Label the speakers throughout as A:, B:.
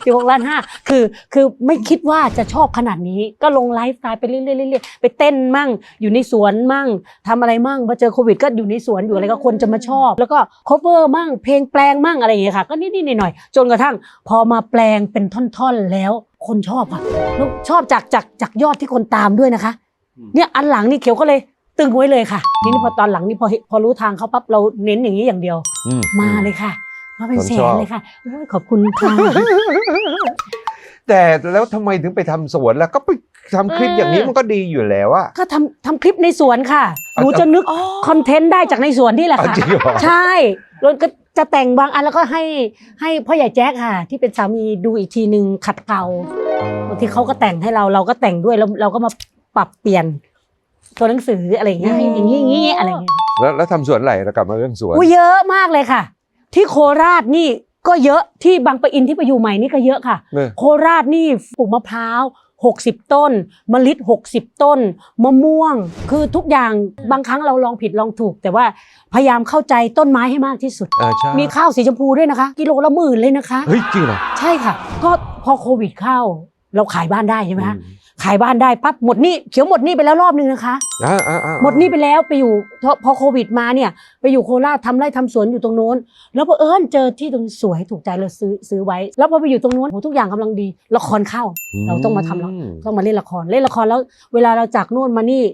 A: 16.5 ล้านคือไม่คิดว่าจะชอบขนาดนี้ก็ลงไลฟ์สไตล์ไปเรื่อยๆไปเต้นมั่งอยู่ในสวนมั่งทำอะไรมั่งพอเจอโควิดก็อยู่ในสวนอยู่อะไรก็คนจะมาชอบแล้วก็ cover มั่งเพลงแปลงมั่งอะไรอย่างเงี้ยค่ะก็นิดๆหน่อยๆจนกระทั่งพอมาแปลงเป็นท่อนๆแล้วคนชอบค่ะแล้วชอบจากยอดที่คนตามด้วยนะคะเนี่ยอันหลังนี่เขียวก็เลยตึงไว้เลยค่ะทีนี้พอตอนหลังนี่พอรู้ทางเขาปั๊บเราเน้นอย่างนี้อย่างเดียวมาเลยค่ะมาเป็นแสนเลยค่ะขอบคุณค่ะ
B: แต่แล้วทำไมถึงไปทำสวนแล้วก็ไปทำคลิปอย่างนี้มันก็ดีอยู่แล้วอะ
A: ก็ทำคลิปในสวนค่ะหนูจะนึกคอนเทนต์ได้จากในสวนนี่แหละค่ะใช่แล้วก็จะแต่งบางอันแล้วก็ให้พ่อใหญ่แจ๊คค่ะที่เป็นสามีดูอีกทีนึงขัดเกลาบางทีเขาก็แต่งให้เราก็แต่งด้วยแล้วเราก็มาปรับเปลี่ยนตัวหนังสืออะไรอย่างเงี้ยอย่างนี้อะไรอย่างเงี้ย
B: แล้วทำสวนอะไรแล้วกลับมาเรื่องสวน
A: เยอะมากเลยค่ะที่โคราชนี่ก็เยอะที่บางปะอินที่ไปอยู่ใหม่นี่ก็เยอะค่ะโคราชนี่ปลูกมะพร้าว60 ต้นมะลิ60 ต้นมะม่วงคือทุกอย่างบางครั้งเราลองผิดลองถูกแต่ว่าพยายามเข้าใจต้นไม้ให้มากที่สุดมีข้าวสีชมพูด้วยนะคะกิโลละ10,000เลยนะคะ
B: เฮ้ยจริงเหรอ
A: ใช่ค่ะก็พอโควิดเข้าเราขายบ้านได้ใช่ไหมคะขายบ้านได้ปั๊บหมดหนี้เขียวหมดหนี้ไปแล้วรอบนึงนะคะหมดหนี้ไปแล้วไปอยู่พอโควิดมาเนี่ยไปอยู่โคราชทำไร่ทำสวนอยู่ตรงโน้นแล้วพอเจอที่ตรงสวยถูกใจเราซื้อไว้แล้วพอไปอยู่ตรงโน้นทุกอย่างกำลังดีละครเข้าเราต้องมาทำแล้วต้องมาเล่นละครแล้วเวลาเราจากโน่นมานี่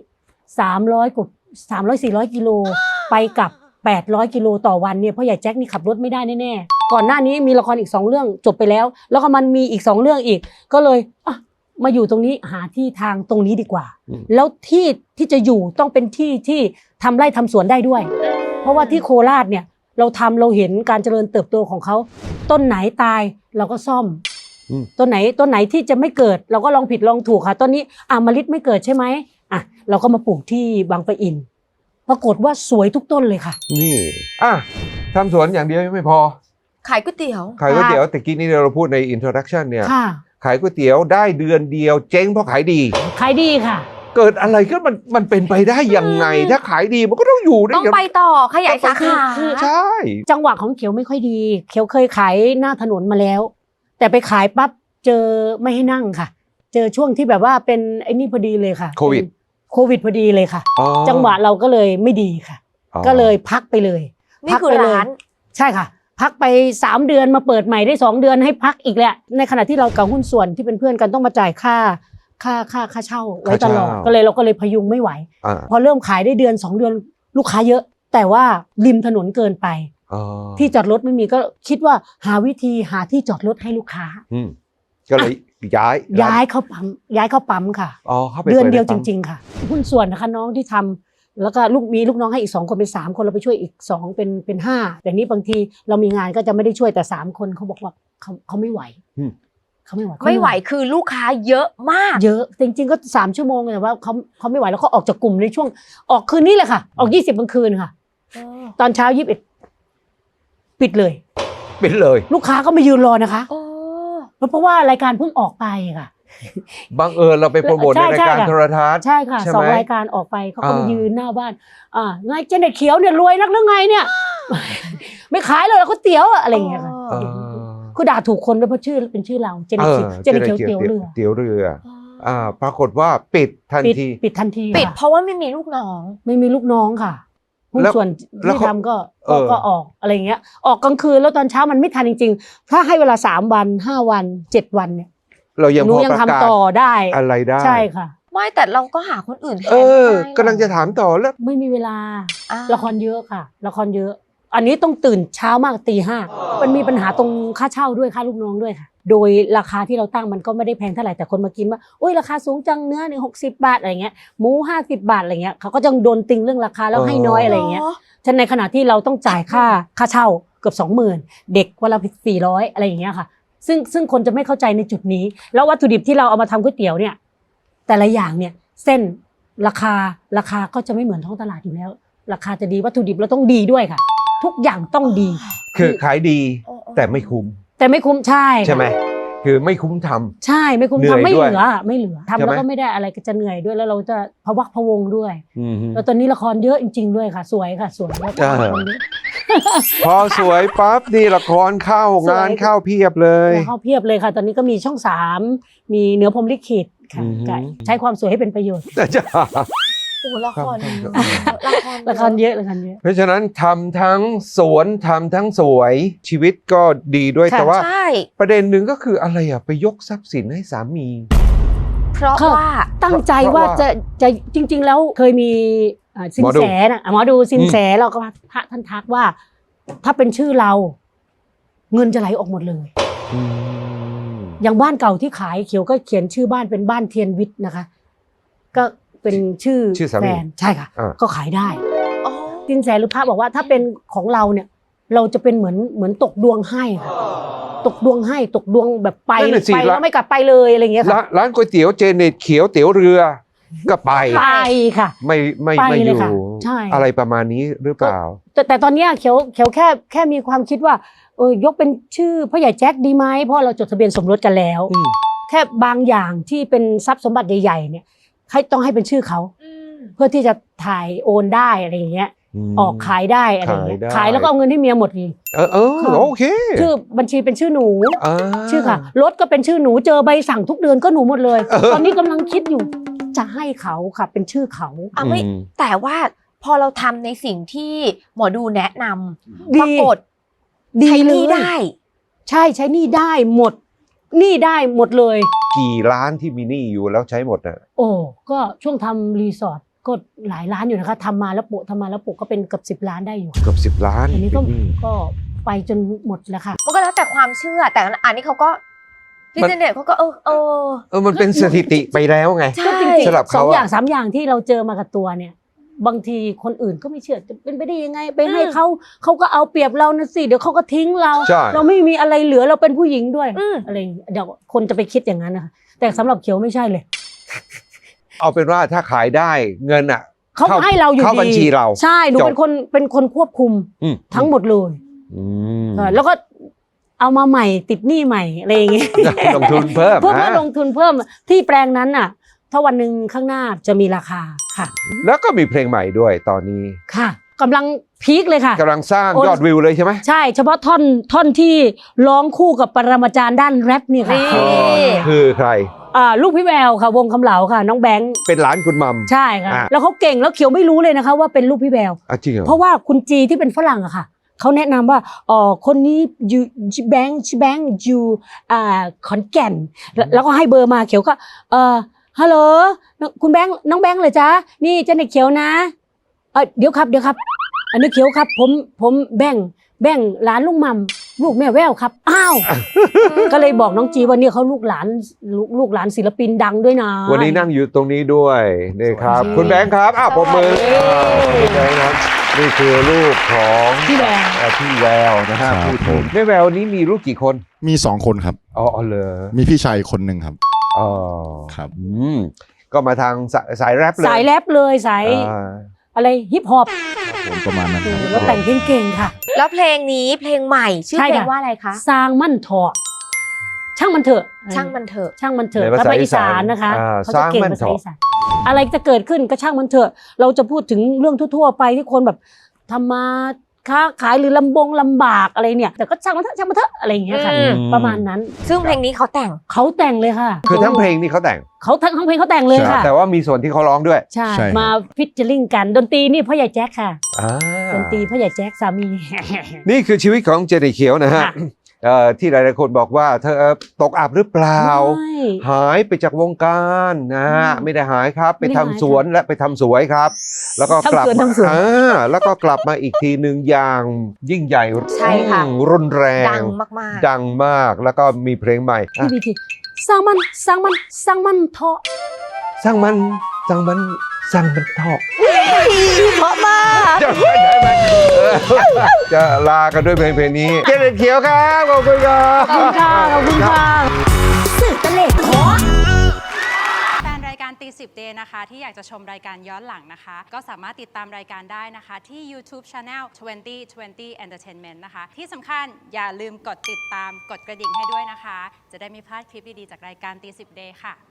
A: 300-400 กิโลไปกับ800 กิโลต่อวันเนี่ยเพราะใหญ่แจ็คนี่ขับรถไม่ได้แน่ๆก่อนหน้านี้มีละครอีก2 เรื่องจบไปแล้วแล้วก็มันมีอีก2 เรื่องอีกก็เลยมาอยู่ตรงนี้หาที่ทางตรงนี้ดีกว่าแล้วที่จะอยู่ต้องเป็นที่ทำไร่ทำสวนได้ด้วยเพราะว่าที่โคราชเนี่ยเราเห็นการเจริญเติบโตของเขาต้นไหนตายเราก็ซ่อมต้นไหนที่จะไม่เกิดเราก็ลองผิดลองถูกค่ะต้นนี้มะลิไม่เกิดใช่ไหมเราก็มาปลูกที่บางปะอินปรากฏว่าสวยทุกต้นเลยค่ะ
B: นี่ทำสวนอย่างเดียวไม่พอ
C: ขายก๋วยเตี๋ยว
B: แต่กี้นี้เราพูดในอินโทรดักชันเนี่ยขายก๋วยเตี๋ยวได้เดือนเดียวเจ๊งเพราะขายดี
A: ค่ะ
B: เกิดอะไรขึ้นมันเป็นไปได้ยังไงถ้าขายดีมันก็ต้องอยู่ได้
C: ต้องไปต่อขยายสาขา
B: ใช่
A: จังหวะของเขียวไม่ค่อยดีเขียวเคยขายหน้าถนนมาแล้วแต่ไปขายปั๊บเจอไม่ให้นั่งค่ะเจอช่วงที่แบบว่าเป็นไอ้นี่พอดีเลยค่ะโควิดพอดีเลยค่ะจังหวะเราก็เลยไม่ดีค่ะก็เลยพักไปเลย
C: นี่คือร้าน
A: ใช่ค่ะพักไป3 เดือนมาเปิดใหม่ได้2 เดือนให้พักอีกแหละในขณะที่เรากับหุ้นส่วนที่เป็นเพื่อนกันต้องมาจ่ายค่าเช่าไว้ตลอดเราก็เลยพยุงไม่ไหวพอเริ่มขายได้เดือน2 เดือนลูกค้าเยอะแต่ว่าริมถนนเกินไปที่จอดรถไม่มีก็คิดว่าหาวิธีหาที่จอดรถให้ลูกค้า
B: ก็เลยย้าย
A: เข้าปั๊มค่ะเดือนเดียวจริงๆค่ะหุ้นส่วนนะคะน้องที่ทำแล้วก็มีลูกน้องให้อีก2 คนเป็น3 คนเราไปช่วยอีก2เป็น5แต่นี้บางทีเรามีงานก็จะไม่ได้ช่วยแต่3 คนเขาบอกว่าเขาไม่ไหวเขาไม่
C: ไหวคือลูกค้าเยอะมาก
A: เยอะจริงๆก็3 ชั่วโมงแต่ว่าเขาไม่ไหวแล้วเขาออกจากกลุ่มในช่วงออกคืนนี้เลยค่ะออก20กลางคืนค่ะตอนเช้า21ปิดเลยลูกค้าก็มายืนรอนะคะเพราะว่ารายการเพิ่งออกไปค่ะ
B: บังเอิญเราไปโปรโมทในรายการโทรทัศน์
A: ใช่ค่ะ2 รายการออกไปเขาก็มายืนหน้าบ้านไงเจเน็ตเขียวเนี่ยรวยนักหรือไงเนี่ยไม่ขายเลยก๋วยเตี๋ยวอะไรอย่างเงี้ยค่ะคือด่าถูกคนด้วยเพราะชื่อเป็นชื่อเราเจเน็ตเขียวเตี๋ยวเรือ
B: ปรากฏว่าปิดทันที
A: ปิด
C: เพราะว่าไม่มีลูกน้อง
A: ค่ะหุ้นส่วนที่ทำก็ออกอะไรอย่างเงี้ยออกกลางคืนแล้วตอนเช้ามันไม่ทันจริงๆถ้าให้เวลา3 วัน5 วัน7 วันเนี่ย
B: เรายัง
A: ทำต่อได้
B: อะไรได้
A: ใช่ค่ะ
C: ไม่แต่เราก็หาคนอื่นแทน
B: กำลังจะถามต่อแล้ว
A: ไม่มีเวลาละครเยอะค่ะละครเยอะอันนี้ต้องตื่นเช้ามากตี 5มันมีปัญหาตรงค่าเช่าด้วยค่าลูกน้องด้วยค่ะโดยราคาที่เราตั้งมันก็ไม่ได้แพงเท่าไหร่แต่คนมากินว่าโอ้ยราคาสูงจังเนื้อ60 บาทอะไรเงี้ยหมู50 บาทอะไรเงี้ยเขาก็จะโดนติงเรื่องราคาแล้วให้น้อยอะไรเงี้ยฉะนั้นในขณะที่เราต้องจ่ายค่าเช่าเกือบ 20,000เด็กวันละ400อะไรอย่างเงี้ยค่ะซึ่งคนจะไม่เข้าใจในจุดนี้แล้ววัตถุดิบที่เราเอามาทำก๋วยเตี๋ยวเนี่ยแต่ละอย่างเนี่ยเส้นราคาก็จะไม่เหมือนท้องตลาดอยู่แล้วราคาจะดีวัตถุดิบเราต้องดีด้วยค่ะทุกอย่างต้องดี
B: คือขายดีแต่ไม่คุ้ม
A: ใช่
B: ไหมคือไม่คุ้มทำ
A: ใช่ไม่คุ้มทำไม่เหลือทำแล้วก็ไม่ได้อะไรก็จะเหนื่อยด้วยแล้วเราจะพะวักพะวงด้วยแล้วตอนนี้ละครเยอะจริงๆด้วยค่ะสวยค่ะสวยแล้ว
B: พอสวยปั๊บนี่ละครเข้างานเข้าเพียบเลย
A: เข้าเพียบเลยค่ะ ตอนนี้ก็มีช่อง3มีเหนือพรหมลิขิตค่ะ
B: อือหือ
A: ก็ใช้ความสวยให้เป็นประโยชน์
B: จ้า
C: โอ้ละคร
B: ครับ
C: ละคร
A: ละครเยอะละครเยอะ
B: เพราะฉะนั้นทำทั้งสวนทำทั้งสวยชีวิตก็ดีด้วย
A: ค่ะ
B: แต่ว่า
C: ใช่
B: ประเด็นหนึ่งก็คืออะไรอ่ะไปยกทรัพย์สินให้สามี
C: เพราะว่า
A: ตั้งใจ
B: เพราะ
A: ว่า
B: ว่า
A: จะจริง ๆ แล้วเคยมีสิ
B: หม
A: น
B: อดู
A: แสนะหมอดูสินแสเราก็พระท่านทักว่า ถ้าเป็นชื่อเรา เงินจะไหลออกหมดเลย
B: อืม
A: อย่างบ้านเก่าที่ขายเขียวก็เขียนชื่อบ้านเป็นบ้านเทียนวิทย์นะคะ ก็เป็นชื่อ
B: ชื่อสามี
A: แฟนใช่ค่ะ
B: อ่า
A: ก็ขายได้
C: อ๋อ
A: สินแสหรือพระบอกว่าถ้าเป็นของเราเนี่ย เราจะเป็นเหมือนตกดวงให้ค่ะตกดวงให้ตกดวงแบบไป
B: นั่นน่ะสิ
A: ไปแล้วไม่กลับไปเลยอะไรอย่างเงี้ยค่ะ
B: ร้านก๋วยเตี๋ยวเจเน็ตเขียวเตี๋ยวเรือก็ไป
A: ไปค่ะ
B: ไม่
A: ไป
B: อ
A: เลย
B: ยู่
A: ค่ะใช่
B: อะไรประมาณนี้หรือเปล่า
A: แต่ตอนเนี้ยเขียวแค่มีความคิดว่ายกเป็นชื่อพ่อใหญ่แจ็คดีไหมเพราะเราจดทะเบียนสมรสกันแล้ว
B: อืม
A: แค่บางอย่างที่เป็นทรัพย์สมบัติใหญ่ๆเนี่ยต้องให้เป็นชื่อเขา
C: อืม
A: เพื่อที่จะถ่ายโอนได้อะไรอย่างเงี้ย ออกขายได้อะไรอย่างเงี้ย
B: ขายได้
A: ขายแล้วก็เอาเงินให้เมียหมดเลย
B: ค่ะโอเค
A: ชื่อบัญชีเป็นชื่อหนู
B: อ่า
A: ชื่อค่ะรถก็เป็นชื่อหนูเจอใบสั่งทุกเดือนก็หนูหมดเลย ตอนนี้กำลังคิดอยู่จะให้เขาค่ะเป็นชื่อเขา
C: อ่ะไม่
B: อืม
C: แต่ว่าพอเราทำในสิ่งที่หมอดูแนะนำ
A: ดี
C: ปรากฏ
A: ดี
C: ใช้ห
A: เล
C: นี้
A: ย
C: ได้
A: ใช่ใช้หนี่ได้หมดหนี่ได้หมดเลย
B: กี่ล้านที่มีหนี้อยู่แล้วใช้หมดอ่ะ
A: โอ้ก็ช่วงทำรีสอร์ทก็หลายล้านอยู่นะคะทำมาแล้วโปะก็เป็นเกือบ10 ล้านได้อยู่
B: เกือบ10 ล้าน
A: อันนี้ก็
B: เป็นหนี้
A: ก็ไปจนหมดแล้วค่ะ
C: มันก็แล้วแต่ความเชื่อ แต่อันนี้เขาก็พี่
B: มัน
C: เจเน็ตเขาก็
B: มันเป็นสถิติไปแล้วไง
C: ใช่
A: ก็จริง
B: สำหรับ
A: ๆ
B: เขา
A: 2
B: อะ
A: อย่าง3 อย่างที่เราเจอมากับตัวเนี่ย บางทีคนอื่นก็ไม่เชื่อจะเป็นไปได้ยังไงไปให้เขาก็เอาเปรียบเรานะสิเดี๋ยวเขาก็ทิ้งเรา
B: ใช่
A: เราไม่มีอะไรเหลือเราเป็นผู้หญิงด้วย
C: อืม
A: อะไรอย่างเงี้ยเดี๋ยวคนจะไปคิดอย่างนั้นนะคะแต่สำหรับเขียวไม่ใช่เลย
B: เอาเป็นว่าถ้าขายได้เงินอ่ะ
A: เขาให้เราอยู่ดี
B: เข้าบัญชีเรา
A: ใช่หนู
B: จบ
A: เป็นคนควบคุม
B: อืม
A: ทั้งหมดเลย
B: อืม
A: แล้วก็เอามาใหม่ติดหนี้ใหม่อะไรอย่างเงี้ย
B: ลงทุนเพิ่ม
A: เพื่อ
B: นะ
A: ลงทุนเพิ่มที่แปลงนั้นน่ะ ถ้าวันหนึ่งข้างหน้าจะมีราคาค่ะ
B: แล้วก็มีเพลงใหม่ด้วยตอนนี้
A: ค่ะกำลังพีคเลยค่ะ
B: กำลังสร้าง
A: โอ้
B: ยอดวิวเลยใช่ไหม
A: ใช่เฉพาะท่อนที่ร้องคู่กับปรมาจารย์ด้านแรปนี่ค่ะ
C: นี่
B: อ๋อคือใคร
A: ลูกพี่แววค่ะ วงคำเหลาค่ะ น้องแบงค์
B: เป็นหลานคุณมัม
A: ใช่ค่ะ
B: อ่ะ
A: แล้วเขาเก่งแล้วเขียวไม่รู้เลยนะคะว่าเป็นลูกพี่แวว
B: จริงเหรอ
A: เพราะว่าคุณจีที่เป็นฝรั่งอะค่ะเขาแนะนำว่าคนนี้อยู่แบงค์อยู่ขอนแก่นแล้วก็ให้เบอร์มาเขียวก็ฮัลโหลคุณแบงค์น้องแบงค์เหรอจ๊ะนี่เจ้าเด็กเขียวนะเดี๋ยวครับอันนี้เขียวครับผมแบงค์หลานลุงมัมลูกแม่แววครับอ้าว ก็เลยบอกน้องจีว่าเนี่ยเขาลูกหลานศิลปินดังด้วยนะ
B: วันนี้นั่งอยู่ตรงนี้ด้วยนี่ครับ
A: สวัสดี
B: คุณแบงค์ครับปรบมือ
C: สวัสดี
B: คุณแบงค์ครับนี่คือลูกของ
A: พี่แวว
B: พี่แววนะฮะ
D: ครับ
B: พูด
D: ผม
B: แม่แววนี้มีลูกกี่คน
D: มี2 คนครับ
B: อ๋อเหรอ
D: มีพี่ชายคนหนึ่งครับ
B: อ๋อ
D: ครับ
B: ก็มาทางสายแรปเลย
A: สายแรปเลยสาย
B: อ่า
A: อะไรฮิปฮอป
D: ผมประมาณนั้นครับ
A: แล้วแต่งเก่งๆค่ะ
C: แล้วเพลงนี้เพลงใหม่ชื่อ
A: ใช่
C: เพล
A: ค่ะ
C: งว่าอะไรคะ
A: สร้างมั่นเถอะช่างมันเถอะ
C: ช่างมันเถอะ
A: ช่างมันเถอะ
B: ในภา
A: ภา
B: ษา
A: ษาอีสานนะคะ เขาจะเก่ง
B: สร้างมั่น
A: ภาษา
B: เถอะ
A: อีสานอะไรจะเกิดขึ้นก็ช่างมันเถอะ เราจะพูดถึงเรื่องทั่วๆไปที่คนแบบทำมาค้าขายหรือลำบากอะไรเนี่ย แต่ก็ช่างมันเถอะอะไรอย่างเงี้ยค่ะ
C: อืม
A: ประมาณนั้น
C: ซึ่งเพลงนี้เขาแต่ง
A: เขาแต่งเลยค่ะ
B: คือทั้งเพลงนี่เขาแต่ง
A: เขาทั้งเพลงเขาแต่งเลยค่ะ
B: แต่ว่ามีส่วนที่เขาร้องด้วย
A: ใช่
D: ใช่ครับ
A: มาฟิชเจอริงกันดนตรีนี่พ่อใหญ่แจ็คค่ะ
B: อ่า
A: ดนตรีพ่อใหญ่แจ็คสามี
B: นี่คือชีวิตของเจเนเขียวนะฮะ
A: ค่ะ
B: ที่หลายๆคนบอกว่าเธอตกอับหรือเปล่า
A: ไม่
B: หายไปจากวงการนะฮะ
A: อืม
B: ไม่ได้หายครับ ไป
A: ไม่ได้
B: ทำ
A: หาย
B: สวนและไปทำสวยครับ แล้วก็กลับ
A: ทำสวน
B: แล้วก็กลับมาอีกทีหนึ่งอย่างยิ่งใหญ่
C: ใช่ค่ะ
B: รุนแรง
C: ดังมาก
B: ดังมากแล้วก็มีเพลงใหม่อ่ะ
A: พี่บีทีสร้างมันเถอะ
B: สร้างมันเถอะ
C: เพราะมาก
B: จะไปได้ไหมจะลากันด้วยเพลงนี้เจเนเขียวครับขอบคุณครับ
A: ขอบคุณค่ะขอบคุณค่ะสื่อตะเล็ดขอ
E: แฟนรายการตี10 Day นะคะที่อยากจะชมรายการย้อนหลังนะคะ ก็สามารถติดตามรายการได้นะคะ ที่ YouTube Channel 2020 Entertainment นะคะ ที่สำคัญอย่าลืมกดติดตามกดกระดิ่งให้ด้วยนะคะ จะได้ไม่พลาดคลิปดี ๆ จากรายการตี10 Day ค่ะ